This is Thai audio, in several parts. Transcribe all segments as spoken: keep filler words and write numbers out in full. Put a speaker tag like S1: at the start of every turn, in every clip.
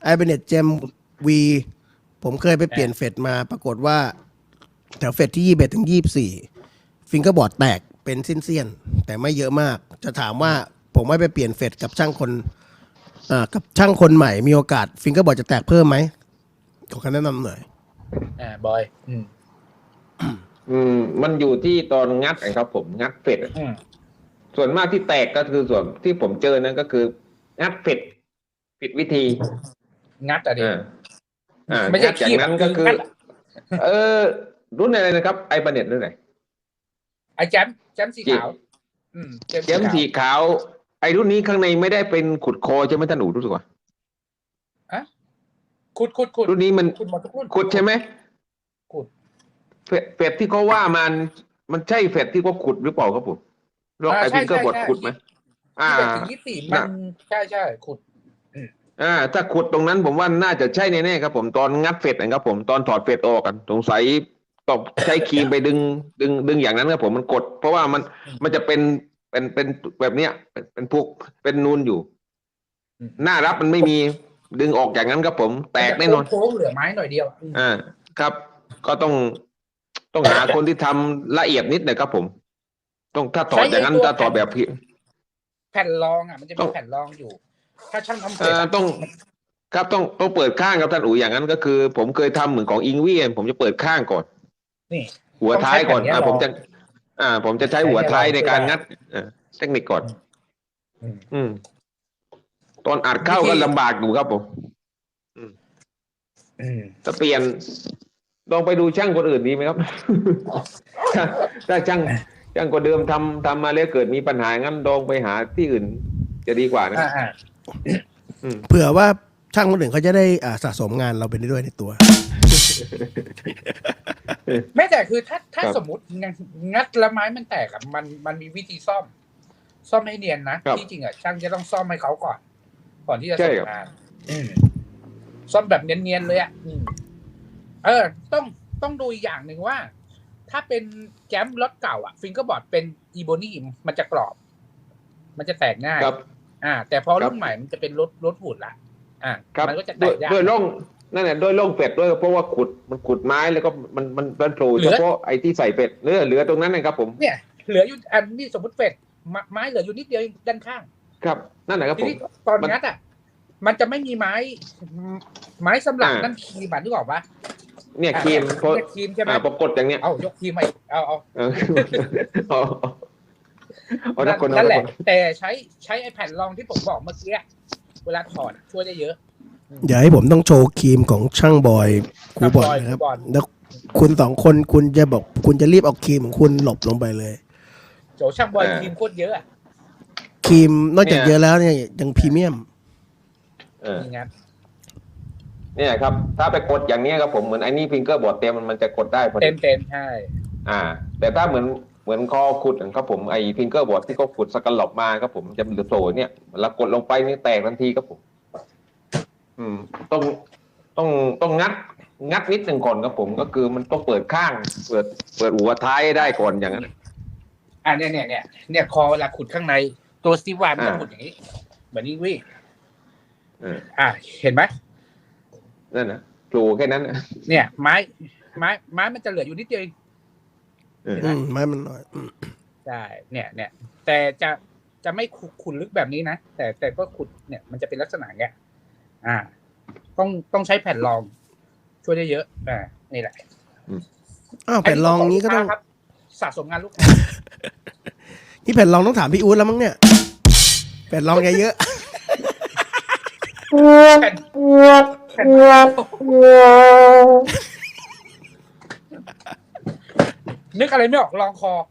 S1: ไอเบเน็ตเจมวีผมเคยไปเปลี่ยนเฟดมาปรากฏว่าแถวเฟดที่ยี่สิบเอ็ดถึงยี่สิบสี่ฟิงเกอร์บอร์ดแตกเป็นเส้นๆแต่ไม่เยอะมากจะถามว่าผมไม่ไปเปลี่ยนเฟดกับช่างคนอ่ากับช่างคนใหม่มีโอกาสฟิงเกอร์บอร์ดจะแตกเพิ่มไหมขอคำแนะนำหน่อย
S2: อ่าบอยอืม
S3: อืมมันอยู่ที่ตอนงัดนะครับผมงัดเฟดส่วนมากที่แตกก็คือส่วนที่ผมเจอนั่นก็คืองัดเฟดผิดวิธี
S2: งัดอะดิ
S3: อ่าไม่ใช่จากนั้นก็คือเออรุ่นอะไรนะครับไอบันเน็ตรุ่นไหน
S2: ไอแจมแจมสีขาวอืม
S3: แจมสีขาวไอรุ่นนี้ข้างในไม่ได้เป็นขุดคอใช่ไหมท่านอู๋รู้สึกว่า
S2: อะขุดขุดขุด
S3: รุ่นนี้มัน
S2: ขุดหมดทุกรุ่น
S3: ขุดใช่ไหม
S2: ขุด
S3: เฟดที่เขาว่ามันมันใช่เฟดที่เขาขุดหรือเปล่าครับผมลองไอพิงเกอร์บอร์ดขุดไหม
S2: อ่าถึงยี่สิบสี่มันใช่ใช่ขุด
S3: อ่าถ้าขุดตรงนั้นผมว่าน่าจะใช่แน่ๆครับผมตอนงัดเฟดนะครับผมตอนถอดเฟดออกกันสงสัยต้องใช้ครีมไปดึงดึงดึงอย่างนั้นครับผมมันกดเพราะว่ามันมันจะเป็นเป็นเป็นแบบเนี้ยเป็นพวกเป็นนูนอยู่หน้ารับมันไม่มีดึงออกอย่างนั้นครับผมแตกแน่นอน
S2: โค้งเหลือไม้หน่อยเดียว
S3: อ่าครับก็ต้องต้องหาคนที่ทำละเอียดนิดหน่อยครับผมต้องถ้าถอดอย่างนั้นถ้าถอดแบบพี่
S2: แผ่นรองอ่ะมันจะมีแผ่นรองอยู่ถ้าช่างทำเสร็จ
S3: ต้องครับต้องต้องเปิดข้างครับท่านอู๋อย่างนั้นก็คือผมเคยทำเหมือนของอิงวี่ผมจะเปิดข้างก่อน
S2: นี่
S3: หัวท้ายก่อนอ่าผมจะอ่าผมจะใช้หัวท้ายในการงัดเทคนิคก่อนอืมตอนอัดเข้าก็ลำบากอยู่ครับผมจะเปลี่ยนลองไปดูช่างคนอื่นดีไหมครับถ้าช่างช่างคนเดิมทำทำมาแล้วเกิดมีปัญหางั้นลองไปหาที่อื่นจะดีกว่านะ
S1: เผื่อว่าช่างคนอื่นเขาจะได้อ่าสะสมงานเราไปด้วยในตัว
S2: ไม่แต่คือถ้าถ้าสมมติงัดแล้วไม้มันแตกอ่ะมันมันมีวิธีซ่อมซ่อมให้เนียนนะที่จริงอ่ะช่างจะต้องซ่อมให้เขาก่อนก่อนที่จะส่งงานซ่อมแบบเนียนๆเลยอ่ะเออต้องต้องดูอีกอย่างหนึ่งว่าถ้าเป็นแจมรถเก่าอ่ะฟิงเกอร์บอร์ดเป็นอีโบนี่มันจะกรอบมันจะแตกง่ายอ่าแต่พอรุ่นใหม่มันจะเป็นรถรถหุ่นละอ่ามันก็จะแตกยาก
S3: ด้วยร่องนั่นแหละด้วยร่องเป็ดด้วยเพราะว่าขุดมันขุดไม้แล้วก็มันมันมันโผล่เฉพาะไอ้ที่ใส่เป็ดเนื้อเหลือตรงนั้นนะครับผม
S2: เนี่ยเหลืออยู่อันนี้สมมติเป็ดไม้เหลืออยู่นิดเดียวด้านข้าง
S3: ครับนั่นแหละครับผม
S2: ตอนงัดอ่ะมันจะไม่มีไม้ไม้สำหรับนั่นคีบนึกออกปะ
S3: เนี่ยครีม
S2: เพราะครีมใช่ไหม
S3: ปรากฏอย่างเนี้ย
S2: เอายกครีมไปเอาเอา
S3: เอา
S2: นั่นแหละแต่ใช้ใช้ไอแผ่นรองที่ผมบอกเมื่อกี้เวลาถอดช่วยได้เยอะ
S1: อย่าให้ผมต้องโชว์ครีมของช่างบอยครูบอยนะครับแล้วคุณสองคนคุณจะบอกคุณจะรีบเอาครีมของคุณหลบลงไปเลย
S2: โจช่างบอยครีมโคตรเยอะ
S1: ครีมนอกจากเยอะแล้วเนี่ยยังพรีเมียม
S3: เออเนี่ยครับถ้าไปกดอย่างนี้ครับผมเหมือนไอ้นี่ฟิงเกอร์บอร์ดเต็มมันจะกดได้พอดี
S2: เต็มเต็มใช่
S3: อ่าแต่ถ้าเหมือนเหมือนคอขุดครับผมไอ้ฟิงเกอร์บอร์ดที่เขาขุดสกันหลบมาครับผมจะเหลือโซ่เนี่ยเรากดลงไปนี่แตกทันทีครับผมอืมต้องต้องต้องงัดงัดนิดหนึ่งก่อนครับผมก็คือมันต้องเปิดข้างเปิดเปิดหัวท้ายได้ก่อนอย่างนั้น
S2: อ่าเนี่ยเนี่ยเนี่ยเนี่ยคอเวลาขุดข้างในตัวสตีฟวานมันจะขุดอย่างนี้เหมือนนี่วิ่งอ่าเห็นไหม
S3: นั่นนะปลูกแค่นั้น
S2: เนี่ยไม้ไม้ไม้มันจะเหลืออยู่นิดเดียวเอง
S1: ไม้มันน้อย
S2: ใช่เนี่ยเนี่ยแต่จะจะไม่ขุดลึกแบบนี้นะแต่แต่ก็ขุดเนี่ยมันจะเป็นลักษณะเงี้ยอ่าต้องต้องใช้แผ่นรองช่วยได้เยอะอ่านี่แหละ
S1: อ้าวแผ่นรองนี้ก็ต้อง
S2: สะสมงานลูก
S1: นี่แผ่นรองต้องถามพี่อู๊ดแล้วมั้งเนี่ยแผ่นรองไงเยอะ
S2: แผ่นแผ่นนึกอะไรไม่ออกลองคอ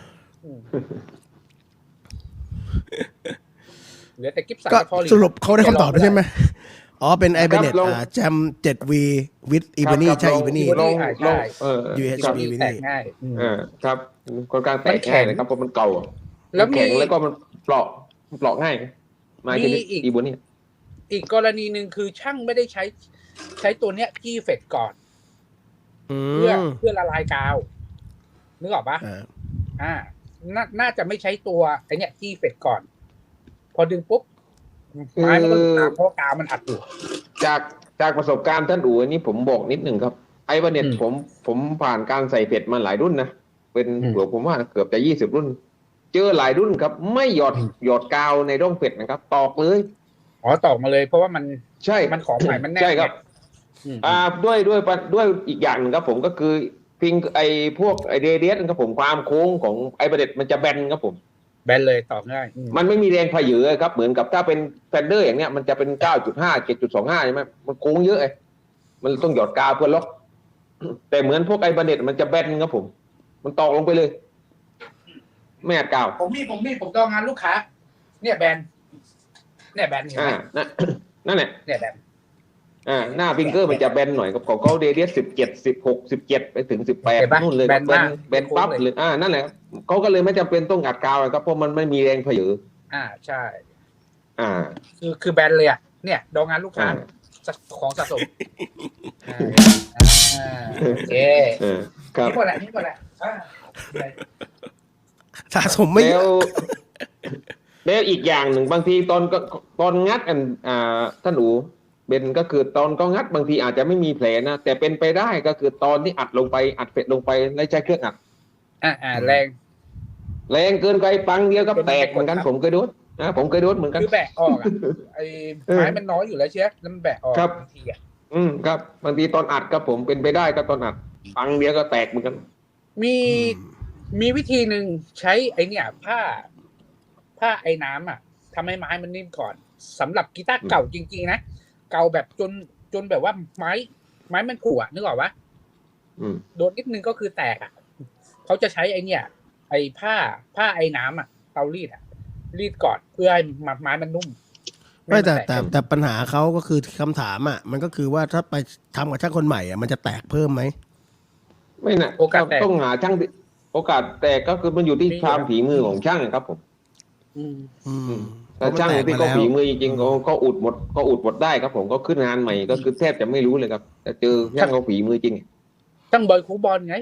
S2: เหลือแต่กิ๊บสันพอ
S1: สรุปเขาได้คำตอบใช่ไหมอ๋อเป็นไอเบเน็ตอ่าแจม เจ็ด วี with อีเบนี่ใช่อีเบนี่
S3: ลงลงเออ
S1: ยู เอช บี
S2: แตกง่าย
S3: เออครับค่อนข้างแตกง่ายนะครับเพราะมันเก่าแล้วแข็งแล้วก็มันเปราะเปราะง่ายมาที่อีเบนี่
S2: อีกกรณีหนึ่งคือช่างไม่ได้ใช้ใช้ตัวเนี้ยกี้เฟดก่อนเพื่อเพื่อละลายกาวนึกออกปะอ่าน่าจะไม่ใช้ตัวไอเนี้ยกี้เฟดก่อนพอดึงปุ๊บไม้มันก็ตามเพราะกาวมันอัดอยู่
S3: จากจากประสบการณ์ท่านอู๋อันนี้ผมบอกนิดหนึ่งครับไอ้บันเน็ต
S2: อืม
S3: ผมผมผ่านการใส่เผ็ดมาหลายรุ่นนะเป็น
S2: อืม
S3: เกือบผมว่าเกือบจะยี่สิบรุ่น เจอหลายรุ่นครับ ไม่หยอด
S2: อืม
S3: หยอดกาวในร่องเผ็ดนะครับ ตอกเลย
S2: อ๋อตอกมาเลย เพราะว่ามัน
S3: ใช่
S2: มันของใหม่มันแน่น
S3: ใช่ครับ
S2: อืม
S3: อ่าด้วยด้วยด้วยอีกอย่างหนึ่งครับผมก็คือพิงไอพวกไอเรเดียสครับผมความโค้งของไอบันเน็ตมันจะแบนครับผม
S2: แบนเลยตอกง่ายอืม
S3: มันไม่มีแรงพเยอะครับเหมือนกับถ้าเป็นแฟนเดอร์อย่างเนี้ยมันจะเป็น เก้าจุดห้า เจ็ดจุดสองห้า ใช่ไหมมันโค้งเยอะไอ้มันต้องหยอดกาวเพื่อล็อก แต่เหมือนพวกไอ้บันเน็ตมันจะแบนครับผม มันตอกลงไปเลย ไม่อัดกาว
S2: ผมมีผมมีผมต้องงานลูกค้า เนี่ยแบนเนี่ยแบนเห็นไห
S3: อ่าม นั่นนั่นแหละ
S2: เนี่ยแบน
S3: อ่าหน้าฟิงเกอร์มันจะแบนหน่อยกับของเขาเดเดียสสิบเจ็ดสิบหกสิบเจ็ดไปถึงสิบแปด
S2: เห็นปะ
S3: นู่นเลย
S2: แบน
S3: แบน
S2: มาก
S3: แบนปั๊บ
S2: โค้งเลย
S3: เลยอ่านั่นแหละเขาก็เลยไม่จำเป็นต้องอัดกาวครับเพราะมันไม่มีแรงพเยอะ
S2: อ่าใช่
S3: อ่า
S2: คือคือแบนเลยอ่ะเนี่ยดองงานลูกค้า
S3: อ่า
S2: ของสะสมอ่าอ่าโอเค
S3: เออครับ
S2: นี่หมดแหละนี่หมดแหละอ่า
S1: สะสมไม่เย
S3: แล้
S1: อะ
S3: วแล้วอีกอย่างหนึ่งบางทีตอนก็ตอนงัดกันอ่าท่านอูเบนก็คือตอนก็งัดบางทีอาจจะไม่มีแผลนะแต่เป็นไปได้ก็คือตอนที่อัดลงไปอัดเฟ็ดลงไปแล้วใช้เครื่องอัด
S2: อ่าอ่าแรง
S3: แรงเกินไปปังเดียวก็
S2: เป็น
S3: แตกเหมือนกัน
S2: ครับ
S3: ผมเคยโดนนะผมเคยโดนเหมือนกัน
S2: คือแบะออกอ่ะไอ้
S3: เออ
S2: ไม้มันน้อยอยู่แล้วเชียแล้วมันแบะออก
S3: ครับ
S2: บางทีอ่ะ
S3: อืมครับบางทีตอนอัดครับผมเป็นไปได้ก็ตอนอัดปังเดียวก็แตกเหมือนกัน
S2: มีมีวิธีหนึ่งใช้ไอ้เนี่ย ผ้า ผ้าไอ้น้ำอ่ะทำให้ไม้มันนิ่มก่อนสำหรับกีตาร์เก่าจริงๆนะเก่าแบบจนจนแบบว่าไม้ ไม้มันผุอ่ะนึกออกปะ
S3: อืม
S2: โดนนิดนึงก็คือแตกอ่ะเขาจะใช้ไอ้เนี่ย ไอ้ผ้าผ้าไอ้น้ำอ่ะเตารีดอ่ะรีดก่อนเพื่อให้ไม้มันนุ่ม
S1: ไม่แต่
S2: ให้น
S1: แต่แต่ปัญหาเขาก็คือคำถามอ่ะมันก็คือว่าถ้าไปทำกับช่างคนใหม่อ่ะมันจะแตกเพิ่มไหม
S3: ไม่นะ
S2: โอกาสแตก
S3: ต้องหาช่างที่โอกาสแตกก็คือมันอยู่ที่ความฝีมือของช่างครับผม
S2: อืม
S1: อืม
S3: ถ้าช่างที่เขาฝีมือจริงๆเขาเขาอุดหมดเขาอุดหมดได้ครับผมก็ขึ้นงานใหม่ก็คือแทบจะไม่รู้เลยครับแต่เจอช่างเขาฝีมือจริง
S2: ตั้งบอยคูบอลไง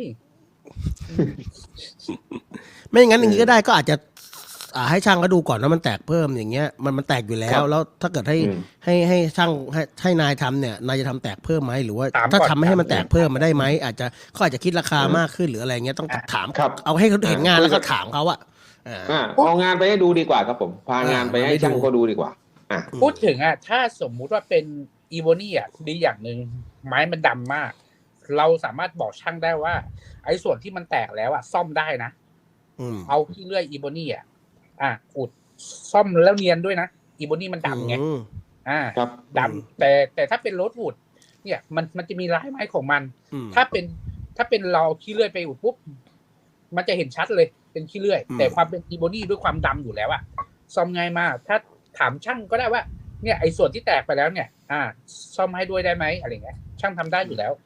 S1: ไม่งั้นอย่างนี้ก็ได้ก็อาจจะอ่าให้ช่างก็ดูก่อนว่ามันแตกเพิ่มอย่างเงี้ยมันมันแตกอยู่แล้
S3: ครั
S1: ว
S3: บ
S1: แล้วถ้าเกิดให้
S3: อืม
S1: ให้ให้ช่างให้ให้นายทำเนี่ยนายจะทำแตกเพิ่มไหมหรือว่า
S2: ถามก่อน
S1: ถ้าทำไม่ให้มัน
S2: ถาม
S1: แตกเพิ่มมาได้ไหมอาจจะเขาอาจจะคิดราคา
S3: อืม
S1: มากขึ้นหรืออะไรเงี้ยต้อง
S2: อ่ะ
S1: ถาม
S3: ครับ
S1: เอาให้เขาเห็นงาน
S3: อ่า
S1: แล้วก็ถามเขาอะอ่า
S3: อ่าเอางานไปให้ดูดีกว่าครับผม พางานไปให้
S1: อ่า
S3: ช่าง
S1: ให้ดู
S3: เขาดูดีกว่า อ่า
S2: พูดถึงอ่ะถ้าสมมุติว่าเป็นอีโวนี่อ่ะดีอย่างหนึ่งไม้มันดำมาก เราสามารถบอกช่างได้ว่า ไอ้ส่วนที่มันแตกแล้วอ่ะซ่อมได้นะ
S1: อืม
S2: เอาที่เลื่อยอีโวนี่อ่ะอ่ะอุดซ่อมแล้วเนียนด้วยนะอีโวนี่มันดำไง
S1: อืม
S2: อ่า
S3: ครับ
S2: ดำแต่แต่ถ้าเป็นโรสวูดเนี่ยมันมันจะมีลายไม้ของมัน
S1: อืม
S2: ถ้าเป็นถ้าเป็นเราขี้เลื่อยไปอุดปุ๊บมันจะเห็นชัดเลยเป็นขี้เลื่อย
S1: อืม
S2: แต่ความเป็นอีโบนี่ด้วยความดำอยู่แล้วอะซ่อมง่ายมาก ถ้าถามช่างก็ได้ว่า เนี่ยไอ้ส่วนที่แตกไปแล้วเนี่ย อ่า ซ่อมให้ด้วยได้ไหมอะไรเงี้ยช่างทำได้อยู่แล้ว